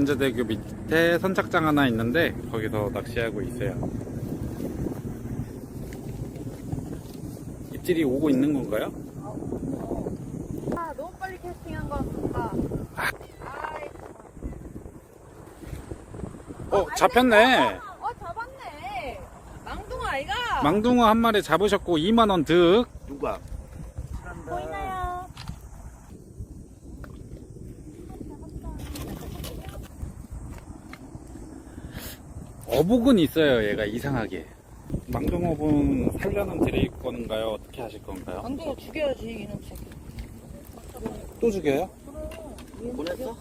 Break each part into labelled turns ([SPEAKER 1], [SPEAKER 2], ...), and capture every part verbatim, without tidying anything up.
[SPEAKER 1] 연제대교 밑에 선착장 하나 있는데 거기서 낚시하고 있어요. 입질이 오고 있는 건가요?
[SPEAKER 2] 아, 너무 빨리 캐스팅한 것 같다.
[SPEAKER 1] 아.
[SPEAKER 2] 아이,
[SPEAKER 1] 어, 잡혔네.
[SPEAKER 2] 어, 잡았네. 망둥어 아이가.
[SPEAKER 1] 망둥어 한 마리 잡으셨고 이만 원 득.
[SPEAKER 3] 누가?
[SPEAKER 2] 보이나요?
[SPEAKER 1] 어복은 있어요. 얘가 이상하게. 망둥어분 살려는 드릴 건가요? 어떻게 하실 건가요?
[SPEAKER 2] 망둥어 죽여야지, 이놈치.
[SPEAKER 1] 또 죽여요?
[SPEAKER 3] 보냈어?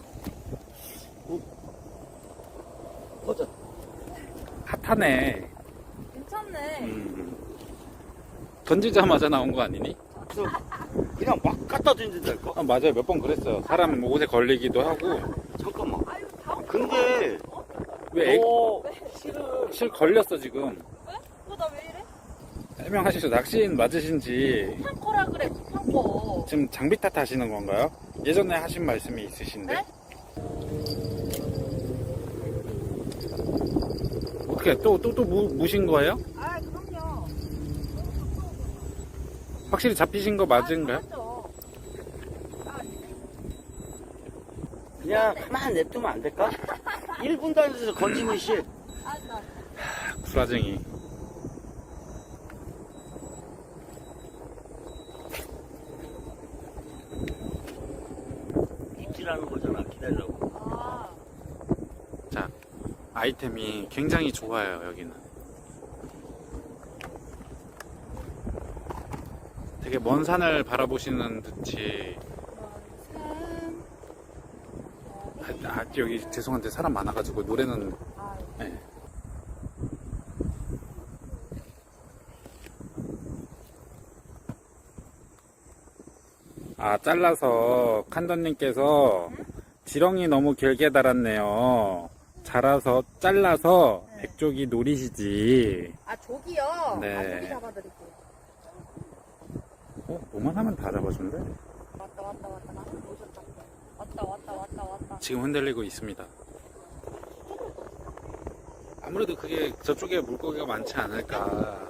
[SPEAKER 3] 버전.
[SPEAKER 1] 핫하네.
[SPEAKER 2] 괜찮네.
[SPEAKER 1] 음. 던지자마자 나온 거 아니니?
[SPEAKER 3] 그냥 막 갖다 던진다니까?
[SPEAKER 1] 아, 맞아요. 몇 번 그랬어요. 사람 옷에 걸리기도 하고.
[SPEAKER 3] 잠깐만.
[SPEAKER 2] 아유, 다음
[SPEAKER 3] 근데
[SPEAKER 1] 왜 애,
[SPEAKER 3] 너 실은
[SPEAKER 1] 실 걸렸어 지금.
[SPEAKER 2] 왜? 어, 나 왜 이래?
[SPEAKER 1] 해명하시죠. 낚시인 맞으신지
[SPEAKER 2] 탕커라 그래, 탕커.
[SPEAKER 1] 지금 장비 탓하시는 건가요? 예전에 하신 말씀이 있으신데.
[SPEAKER 2] 네?
[SPEAKER 1] 어떻게 또 또 또 무신 거예요?
[SPEAKER 2] 아, 그럼요.
[SPEAKER 1] 확실히 잡히신 거 맞은가요?
[SPEAKER 2] 아, 맞죠.
[SPEAKER 3] 그냥 가만 냅두면 안 될까? 일 분 단위에서 건지면 씨.
[SPEAKER 2] 아, 나.
[SPEAKER 1] 구라쟁이.
[SPEAKER 3] 입질하는 거잖아. 기다리라고.
[SPEAKER 2] 아,
[SPEAKER 1] 자, 아이템이 굉장히 좋아요. 여기는 되게 먼 산을 바라보시는 듯이.
[SPEAKER 2] 산.
[SPEAKER 1] 아, 아, 여기 죄송한데 사람 많아가지고 노래는.
[SPEAKER 2] 아,
[SPEAKER 1] 네. 아, 잘라서 칸더님께서 지렁이 너무 길게 달았네요. 자라서 잘라서
[SPEAKER 2] 네.
[SPEAKER 1] 백조기 노리시지.
[SPEAKER 2] 아, 조기요?
[SPEAKER 1] 네.
[SPEAKER 2] 아, 조기 잡아드릴게요.
[SPEAKER 1] 어, 뭐만 하면 다 잡아준대.
[SPEAKER 2] 왔다, 왔다, 왔다. 나 오셨다. 왔다, 왔다, 왔다, 왔다.
[SPEAKER 1] 지금 흔들리고 있습니다. 아무래도 그게 저쪽에 물고기가 많지 않을까.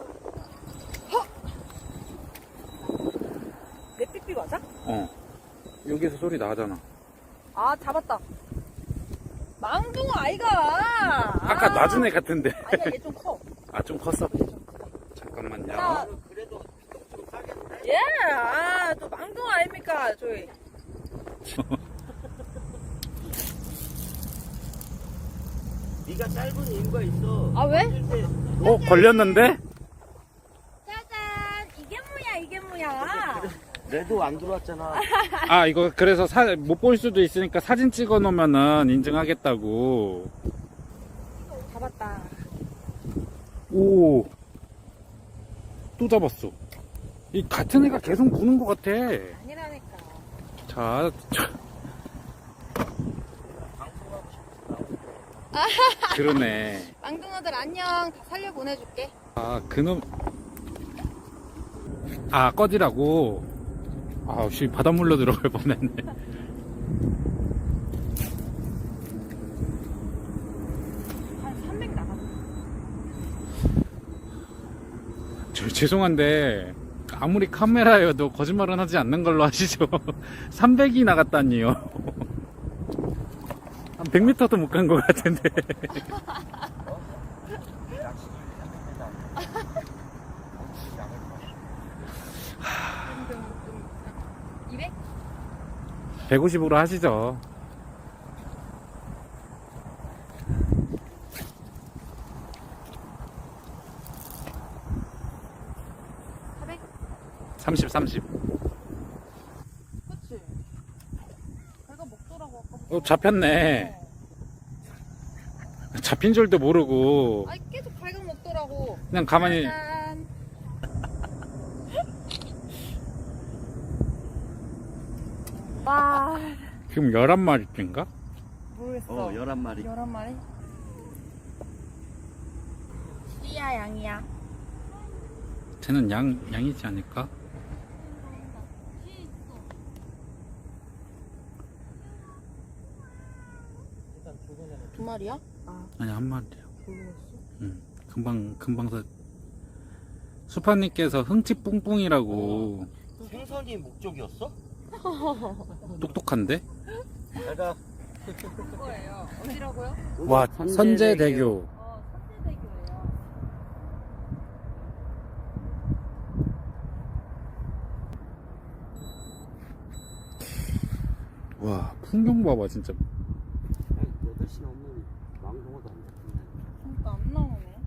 [SPEAKER 2] 내 삐삐 맞아?
[SPEAKER 1] 어, 여기서 소리 나잖아.
[SPEAKER 2] 아, 잡았다. 망둥어 아이가.
[SPEAKER 1] 아까
[SPEAKER 2] 아.
[SPEAKER 1] 낮은 애 같은데.
[SPEAKER 2] 아니야, 얘 좀 커.
[SPEAKER 1] 아, 좀 컸어.
[SPEAKER 2] 얘 좀 커.
[SPEAKER 1] 잠깐만요.
[SPEAKER 2] 자,
[SPEAKER 3] 그래도 좀 싸겠는데?
[SPEAKER 2] 예, 아, 또 망둥어 아닙니까, 저희.
[SPEAKER 3] 네가 짧은 이유가 있어.
[SPEAKER 2] 아, 왜?
[SPEAKER 3] 던질 때
[SPEAKER 1] 어, 걸렸는데?
[SPEAKER 2] 짜잔, 이게 뭐야, 이게 뭐야.
[SPEAKER 3] 레도 안 들어왔잖아.
[SPEAKER 1] 아, 이거 그래서 못 볼 수도 있으니까 사진 찍어 놓으면은 인증하겠다고.
[SPEAKER 2] 잡았다.
[SPEAKER 1] 오, 또 잡았어. 이 같은 애가 계속 무는 것 같아.
[SPEAKER 2] 아니라니까.
[SPEAKER 1] 자, 자. 그러네.
[SPEAKER 2] 망둥어들 안녕. 다 살려 보내줄게.
[SPEAKER 1] 아, 그놈. 아, 꺼지라고. 아, 씨, 바닷물로 들어갈 뻔했네.
[SPEAKER 2] 한 삼백 나갔어.
[SPEAKER 1] 저, 죄송한데, 아무리 카메라여도 거짓말은 하지 않는 걸로 하시죠. 삼백이 나갔다니요. 한 백 미터도 못 간 것 같은데.
[SPEAKER 2] 이백?
[SPEAKER 1] 백오십으로 하시죠.
[SPEAKER 2] 사백?
[SPEAKER 1] 삼십, 삼십.
[SPEAKER 2] 그치? 배가 먹더라고, 아까.
[SPEAKER 1] 어, 잡혔네. 잡힌 줄도 모르고.
[SPEAKER 2] 아니, 계속 발각 먹더라고.
[SPEAKER 1] 그냥 가만히.
[SPEAKER 2] 짜잔. 와,
[SPEAKER 1] 지금 열한 마리인가?
[SPEAKER 2] 모르겠어.
[SPEAKER 3] 어, 열한 마리.
[SPEAKER 2] 열한 마리? 띠야, 양이야.
[SPEAKER 1] 쟤는 양, 양이지 않을까?
[SPEAKER 3] 일단 조금
[SPEAKER 2] 마리야? 아,
[SPEAKER 1] 아니, 한 마리요.
[SPEAKER 2] 모르겠어.
[SPEAKER 1] 응. 금방, 금방 사. 수파님께서 흥치 뿡뿡이라고
[SPEAKER 3] 생선이 목적이었어?
[SPEAKER 1] 똑똑한데?
[SPEAKER 3] 내가
[SPEAKER 2] 그거예요. 어디라고요?
[SPEAKER 1] 와, 선제대교.
[SPEAKER 2] 어, 선제대교예요.
[SPEAKER 1] 와, 풍경 봐봐, 진짜.
[SPEAKER 3] 여덟 시 넘으면 망동어도 안 잡힌다.
[SPEAKER 2] 그러니까 안 나오네.